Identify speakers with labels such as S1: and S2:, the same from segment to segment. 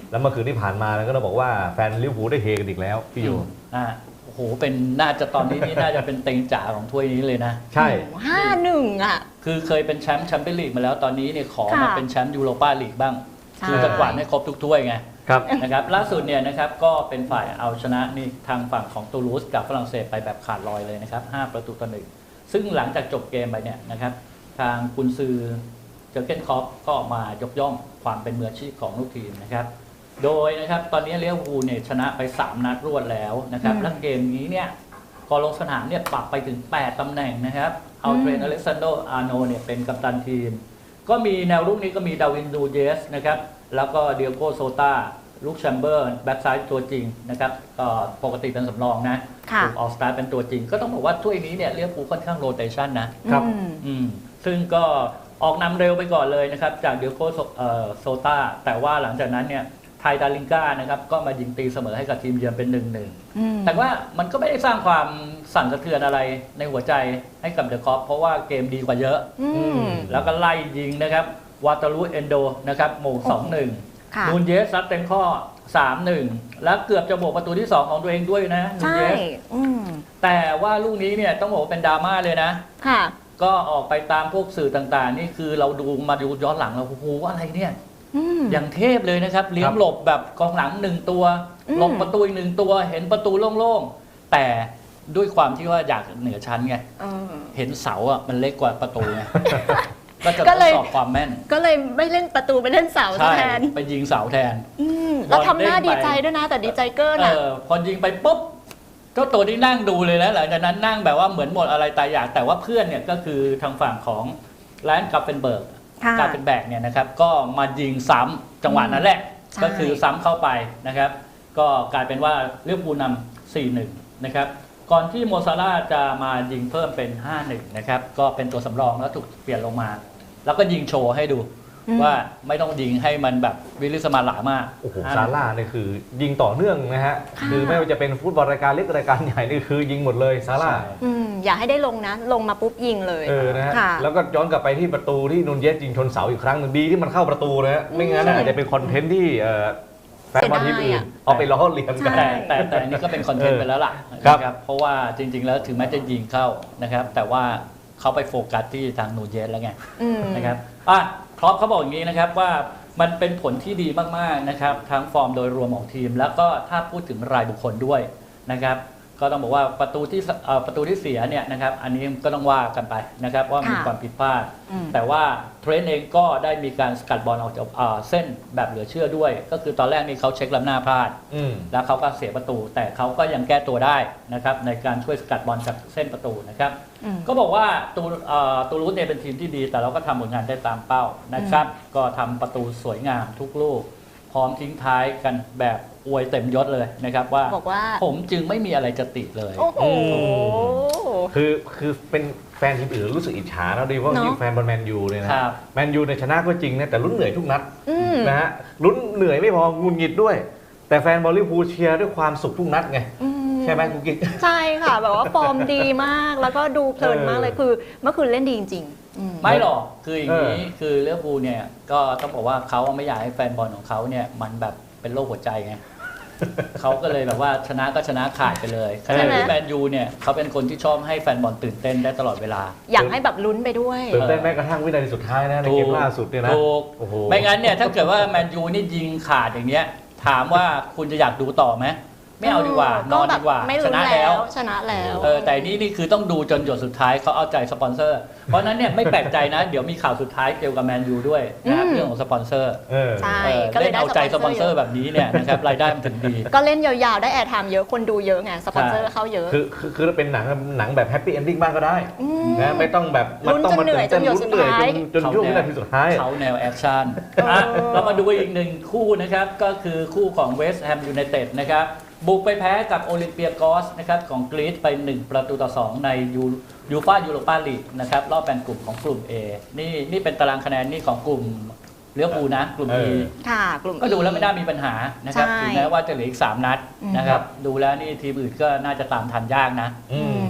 S1: แล้วเมื่อคืนที่ผ่านมาก็ต้องบอกว่าแฟนลิเวอร์พูลได้เฮกันอีกแล้วพี่โย
S2: โอ้โหเป็นน่าจะตอนนี้นี่น่าจะเป็นเต็งจ๋าของถ้วยนี้เลยนะ
S1: ใช่
S3: 5-1อ่ะ
S2: คือเคยเป็นแชมป์เปี้ยนลีกมาแล้วตอนนี้เนี่ยขอมาเป็นแชมป์ยูโรปาลีกบ้างคือจะกวาดให้ครบทุกถ้วยไงนะครับล่าสุดเนี่ยนะครับก็เป็นฝ่ายเอาชนะนี่ทางฝั่งของตูลูสกับฝรั่งเศสไปแบบขาดลอยเลยนะครับ5-1ซึ่งหลังจากจบเกมไปเนี่ยนะครับทางกุนซือเจอร์เก้นคล็อปก็ออกมายกย่องความเป็นมืออาชีพของลูกทีมนะครับโดยนะครับตอนนี้ลิเวอร์พูลเนี่ยชนะไป3นัดรวดแล้วนะครับและเกมนี้เนี่ยก่อนลงสนามเนี่ยปรับไปถึง8ตำแหน่งนะครับเอาเทรนต์อเล็กซานโดอาร์โนเนี่ยเป็นกัปตันทีมก็มีแนวรุกนี้ก็มีดาวินนูเยสนะครับแล้วก็เดียโกโซตาลูกแชมเบอร์แบ็กซ้ายตัวจริงนะครับก็ปกติเป็นสำรองนะถูกออกสตาร์เป็นตัวจริงก็ต้องบอกว่าถ้วยนี้เนี่ยลิเวอร์พูลค่อนข้างโรเตชันนะครับซึ่งก็ออกนำเร็วไปก่อนเลยนะครับจากเดียโกโซตาแต่ว่าหลังจากนั้นเนี่ยไทยดาริงก้านะครับก็มายิงตีเสมอให้กับทีมเยือนเป็น 1-1แต่ว่ามันก็ไม่ได้สร้างความสั่นสะเทือนอะไรในหัวใจให้กับเดอะคอปเพราะว่าเกมดีกว่าเยอะแล้วก็ไล่ยิงนะครับวาตาลูเอนโดนะครับโมง 2-1 นูนเยสซัดเต็มข้อ 3-1 แล้วเกือบจะโบกประตูที่ 2 ของตัวเองด้วยนะนูนเยสแต่ว่าลูกนี้เนี่ยต้องบอกว่าเป็นดราม่าเลยนะก็ออกไปตามพวกสื่อต่างๆนี่คือเราดูย้อนหลังเราโอ้โหอะไรเนี่ยอย่างเทพเลยนะครับเลี้ยงหลบแบบกองหลัง1ตัวหลบประตูอีก1ตัวเห็นประตูโล่งๆแต่ด้วยความที่ว่าอยากเหนือชั้นไงเห็นเสาอ่ะมันเล็กกว่าประตูไงก็จะทดสอบความแม่น
S3: ก็เลยไม่เล่นประตูไปเล่นเสาแทน
S2: ไปยิงเสาแทน
S3: แล้วทำหน้าดีใจด้วยนะแต่ดีใจเกินอ่ะ
S2: พอยิงไปปุ๊บเจ้าตัวที่นั่งดูเลยแล้วหลังจากนั้นนั่งแบบว่าเหมือนหมดอะไรตายอยากแต่ว่าเพื่อนเนี่ยก็คือทางฝั่งของแลนด์กัฟเฟนเบิร์กการเป็นแบกเนี่ยนะครับก็มายิงซ้ำจังหวะนั้นแหละก็คือซ้ำเข้าไปนะครับก็กลายเป็นว่าลิเวอร์พูลนำ 4-1 นะครับก่อนที่โมซาร่าจะมายิงเพิ่มเป็น 5-1 นะครับก็เป็นตัวสำรองแล้วถูกเปลี่ยนลงมาแล้วก็ยิงโชว์ให้ดูว่าไม่ต้องยิงให้มันแบบวิลิสมาหลามาก
S1: โอ้โหซาร่าเนี่ยคือยิงต่อเนื่องนะฮะคือไม่ว่าจะเป็นฟุตบอลรายการเล็กรายการใหญ่นี่คือยิงหมดเลยซาร่า
S3: อย่าให้ได้ลงนะลงมาปุ๊บยิงเลย
S1: นะฮะแล้วก็ย้อนกลับไปที่ประตูที่นูนเยสยิงชนเสาอีกครั้งนึงดีที่มันเข้าประตูนะฮะไม่งั้นอาจจะเป็นคอนเทนต์ที่แฟนบอลทีมอื่นเอาไปล้อเลียนกัน
S2: แต่อันนี้ก็เป็นคอนเทนต์ไปแล้วล่ะนะครับเพราะว่าจริงๆแล้วถึงแม้จะยิงเข้านะครับแต่ว่าเขาไปโฟกัสที่ทางนูนเยสแล้วไงนะครับครอปเขาบอกอย่างนี้นะครับว่ามันเป็นผลที่ดีมากๆนะครับทั้งฟอร์มโดยรวมของทีมแล้วก็ถ้าพูดถึงรายบุคคลด้วยนะครับก็ต้องบอกว่าประตูที่เสียเนี่ยนะครับอันนี้ก็ต้องว่ากันไปนะครับว่ามีความผิดพลาดแต่ว่าเทรนต์เองก็ได้มีการสกัดบอลออกจากเส้นแบบเหลือเชื่อด้วยก็คือตอนแรกนี่เขาเช็คล้ำหน้าพลาดแล้วเขาก็เสียประตูแต่เขาก็ยังแก้ตัวได้นะครับในการช่วยสกัดบอลจากเส้นประตูนะครับก็บอกว่าตูลูสเนี่ยเป็นทีมที่ดีแต่เราก็ทำผลงานได้ตามเป้านะครับก็ทำประตูสวยงามทุกลูกพร้อมทิ้งท้ายกันแบบอวยเต็มยศเลยนะครับว่าผมจึงไม่มีอะไรจะติเลย
S1: คือเป็นแฟนทีมอื่นรู้สึกอิจฉาแล้วดีเพราะยิ่งแฟนบอลแมนยูเลยนะแมนยูในชนะก็จริงนะแต่ลุ้นเหนื่อยทุกนัดนะฮะลุ้นเหนื่อยไม่พองุนงิดด้วยแต่แฟนบอลลิเวอร์พูลเชียร์ด้วยความสุขทุกนัดไงใช่ไหมกุ๊กกิ๊ก
S3: ใช่ค่ะแบบว่าฟอร์มดีมากแล้วก็ดูเพลินมากเลยคือเมื่อคืนเล่นดีจริง
S2: ไม่หรอกคืออย่างนี้คือลิเวอร์พูลเนี่ยก็ต้องบอกว่าเขาไม่อยากให้แฟนบอลของเขาเนี่ยมันแบบเป็นโรคหัวใจไงเขาก็เลยแบบว่าชนะก็ชนะขาดไปเลยขณะที่แมนยูเนี่ยเขาเป็นคนที่ชอบให้แฟนบอลตื่นเต้นได้ตลอดเวลา
S3: อยากให้แบบลุ้นไปด้วย
S1: ตื่นเต้นแม้กระทั่งวินาทีสุดท้ายนะในเกมล่าสุดเนี่ยนะ
S2: ไม่งั้นเนี่ยถ้าเกิดว่าแมนยูนี่ยิงขาดอย่างเงี้ยถามว่าคุณจะอยากดูต่อไหมไม่เอาดีกว่านอนดีกว่า
S3: ชนะแล้ว
S2: แต่นี่คือต้องดูจนหยดสุดท้ายเขาเอาใจสปอนเซอร์เพราะนั้นเนี่ยไม่แปลกใจนะเดี๋ยวมีข่าวสุดท้ายเกี่ยวกับแมนยูด้วยนะเรื่องของสปอนเซอร์
S3: ใช่
S2: เล่นเอาใจสปอนเซอร์แบบนี้เนี่ยนะครับรายได้มันถึงดี
S3: ก็เล่นยาวๆได้แอร์ไทม์เยอะคนดูเยอะไงสปอนเซอร์เข้าเยอะ
S1: คือเป็นหนังแบบแฮปปี้เอนดิ้งบ้างก็ได้นะไม่ต้องแบบ
S3: มันต้องมาเหนื่อยจนหยดสุดท้าย
S1: จนช่วงวินาทีสุดท้าย
S2: เขาแนวแอคชั่นเรามาดูอีกหนึ่งคู่นะครับก็คือคู่ของเวสต์แฮมยูไนเต็ดนะครับบุกไปแพ้กับโอลิมเปียกอสนะครับของกรีซไป1-2ในยูฟ่ายูโรปาลีกนะครับรอบแบ่งกลุ่มของกลุ่ม A นี่เป็นตารางคะแนนนี่ของกลุ่มลิเวอร์พูลนะกลุ่ม E ก็ดูแล้วไม่น่ามีปัญหานะครับถึงแม้ว่าจะเหลืออีก3นัดนะครับดูแล้วนี่ทีมอื่นก็น่าจะตามทันยากนะ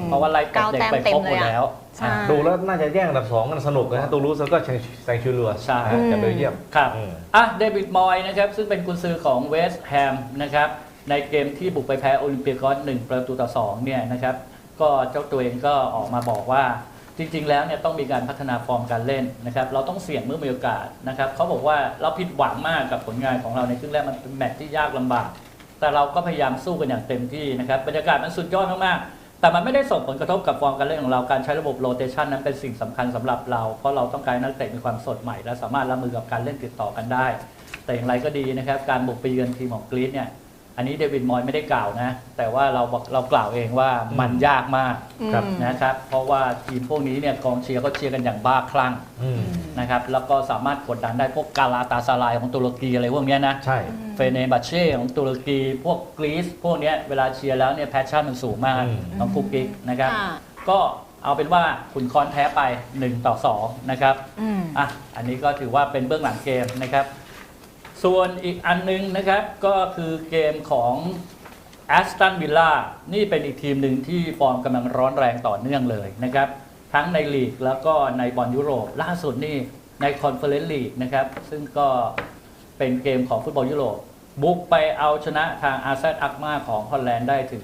S2: เพราะว่าไล่ตบเด็กไปครบหมดแล้ว
S3: ใช่
S1: ดูแล้วน่าจะแย่งอันดับ2กันสนุกนะฮะตูรูสแล้วก็แซงชูเรือ
S2: ใช่
S1: จากเบลเยียม
S2: ครับเดวิดมอยนะครับซึ่งเป็นกุนซือของเวสต์แฮมนะครับในเกมที่บุกไปแพ้โอลิมเปียกอส1-2เนี่ยนะครับก็เจ้าตัวเองก็ออกมาบอกว่าจริงๆแล้วเนี่ยต้องมีการพัฒนาฟอร์มการเล่นนะครับเราต้องเสี่ยงเมื่อมีโอกาสนะครับเขาบอกว่าเราผิดหวังมากกับผลงานของเราในครึ่งแรกมันเป็นแมตช์ที่ยากลำบากแต่เราก็พยายามสู้กันอย่างเต็มที่นะครับบรรยากาศมันสุดยอดมากๆแต่มันไม่ได้ส่งผลกระทบกับฟอร์มการเล่นของเราการใช้ระบบโรเตชันนั้นเป็นสิ่งสำคัญสำหรับเราเพราะเราต้องการนักเตะมีความสดใหม่และสามารถรับมือกับการเล่นติดต่อกันได้แต่อย่างไรก็ดีนะครับการบุกไปเยือนทีมของกรีซเนี่ยอันนี้เดวิดมอยไม่ได้กล่าวนะแต่ว่าเรากล่าวเองว่ามันยากมาก
S1: ครับ
S2: นะครับเพราะว่าทีมพวกนี้เนี่ยกองเชียร์ก็เชียร์กันอย่างบ้าคลั่งนะครับแล้วก็สามารถกดดันได้พวกกาลาตาซารายของตุรกีอะไรพวกเนี้ยนะ
S1: ใช่
S2: เฟเนบัชเช่ของตุรกีพวกกรีซพวกเนี้ยเวลาเชียร์แล้วเนี่ยแพชชั่นมันสูงมากของกุ๊กกิ๊กนะครับ
S3: ค่ะ
S2: ก็เอาเป็นว่าขุนคอนแพ้ไป1-2นะครับอันนี้ก็ถือว่าเป็นเบื้องหลังเกมนะครับส่วนอีกอันนึงนะครับก็คือเกมของแอสตันวิลล่านี่เป็นอีกทีมหนึ่งที่ฟอร์มกำลังร้อนแรงต่อเนื่องเลยนะครับทั้งในลีกแล้วก็ในบอลยุโรปล่าสุดนี่ในคอนเฟอเรนซ์ลีกนะครับซึ่งก็เป็นเกมของฟุตบอลยุโรปบุกไปเอาชนะทางอาร์เซนอักมาของฮอลแลนด์ได้ถึง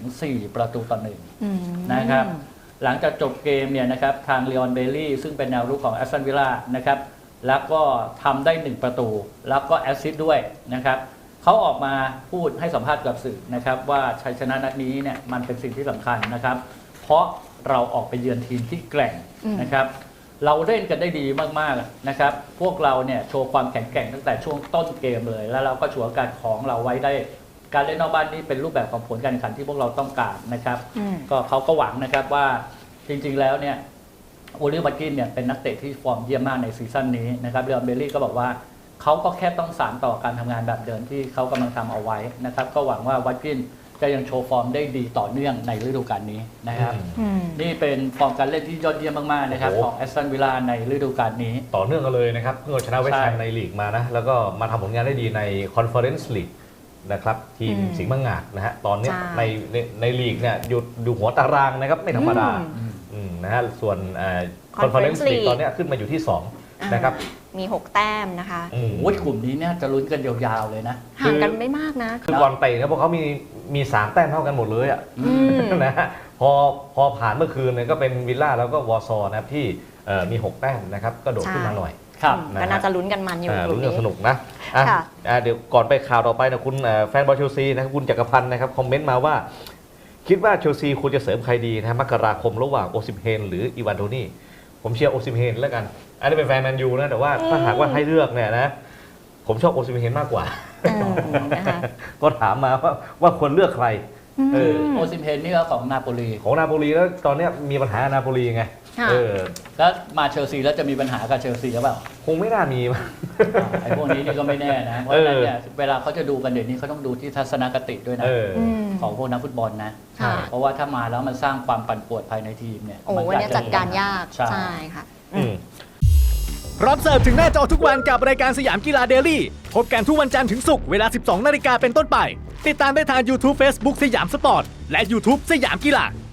S2: 4-1นะครับหลังจากจบเกมเนี่ยนะครับทางเลออนเบลลี่ซึ่งเป็นแนวรุกของแอสตันวิลล่านะครับแล้วก็ทำได้1ประตูแล้วก็แอสซิสต์ด้วยนะครับเขาออกมาพูดให้สัมภาษณ์กับสื่อนะครับว่าชัยชนะนัดนี้เนี่ยมันเป็นสิ่งที่สำคัญนะครับเพราะเราออกไปเยือนทีมที่แกร่งนะครับเราเล่นกันได้ดีมากๆนะครับพวกเราเนี่ยโชว์ความแข็งแกร่งตั้งแต่ช่วงต้นเกมเลยแล้วเราก็ฉวยโอกาสของเราไว้ได้การเล่นนอกบ้านนี่เป็นรูปแบบของผลการแข่งขันที่พวกเราต้องการนะครับก็เขาก็หวังนะครับว่าจริงๆแล้วเนี่ยโอลิวัตกินเนี่ยเป็นนักเตะที่ฟอร์มเยี่ยมมากในซีซั่นนี้นะครับเรอัลเบลลี่ก็บอกว่าเขาก็แค่ต้องสานต่อการทำงานแบบเดิมที่เขากำลังทำเอาไว้นะครับก็หวังว่าวัตกินจะยังโชว์ฟอร์มได้ดีต่อเนื่องในฤดูกาลนี้นะครับนี่เป็นฟอร์มการเล่นที่ยอดเยี่ยมมากๆนะครับของแอสตันวิลล่าในฤดูกาลนี้
S1: ต่อเนื่องกันเลยนะครับเพิ่งเอาชนะเวสต์แฮมในลีกมานะแล้วก็มาทำผลงานได้ดีในคอนเฟอเรนซ์ลีกนะครับทีมสิงห์มังงาดนะฮะตอนนี้ในลีกเนี่ยอยู่หัวตารางนะครับไม่ธรรมดานะฮะส่วนคอนเฟอเรนซ์ลีกตอนนี้ขึ้นมาอยู่ที่2นะครับ
S3: มี 6 แต้มนะคะ
S2: โอ้ยกลุ่มนี้เนี่ยจะลุ้นกันยาวๆเลยนะ
S3: ห่างกันไม่มากนะ
S1: คือก่อนเตะเนี่ยพวกเขามี3แต้มเท่ากันหมดเลยอ่ะนะฮะพอผ่านเมื่อคืนเนี่ยก็เป็นวิลล่าแล้วก็วอร์ซอนะครับที่มี6แต้มนะครับก็โดดขึ้นมาหน่อย
S3: ก็น่าจะลุ้นกันมันอยู่
S1: ลุ้นกันสนุกนะเดี๋ยวก่อนไปข่าวต่อไปนะคุณแฟนบอลเชลซีนะครับคุณจักรพันธ์นะครับคอมเมนต์มาว่าคิดว่าเชลซีควรจะเสริมใครดีนะมกราคมระหว่างโอซิมเฮนหรืออีวานโทนี่ผมเชียร์โอซิมเฮนแล้วกันอันนี้เป็นแฟนแมนยูนะแต่ว่าถ้าหากว่าให้เลือกเนี่ยนะผมชอบโอซิมเฮนมากกว่าก็ถามมาว่าควรเลือกใคร
S2: โอซิมเฮนนี่ก็ของนาโปลี
S1: แล้วตอนนี้มีปัญหานาโปลีไง
S2: แล้วมาเชลซีแล้วจะมีปัญหากับเชลซีหรือเปล่า
S1: คงไม่น่ามี
S2: ไอ้พวกนี้นี่ก็ไม่แน่นะเพราะฉะนั้นเนี่ยเวลาเขาจะดูกันเดี๋ยวนี้เขาต้องดูที่ทัศนคติด้วยนะของพวกนักฟุตบอลนะเพราะว่าถ้ามาแล้วมันสร้างความปั่นป่วนภายในทีมเนี่ย
S3: วันนี้จัดการยากใช่ค่ะ
S4: พร้อมเสิร์ฟถึงหน้าจอทุกวันกับรายการสยามกีฬาเดลี่พบกันทุกวันจันทร์ถึงศุกร์เวลา 12 นาฬิกาเป็นต้นไปติดตามได้ทาง YouTube Facebook สยามสปอร์ตและ YouTube สยามกีฬา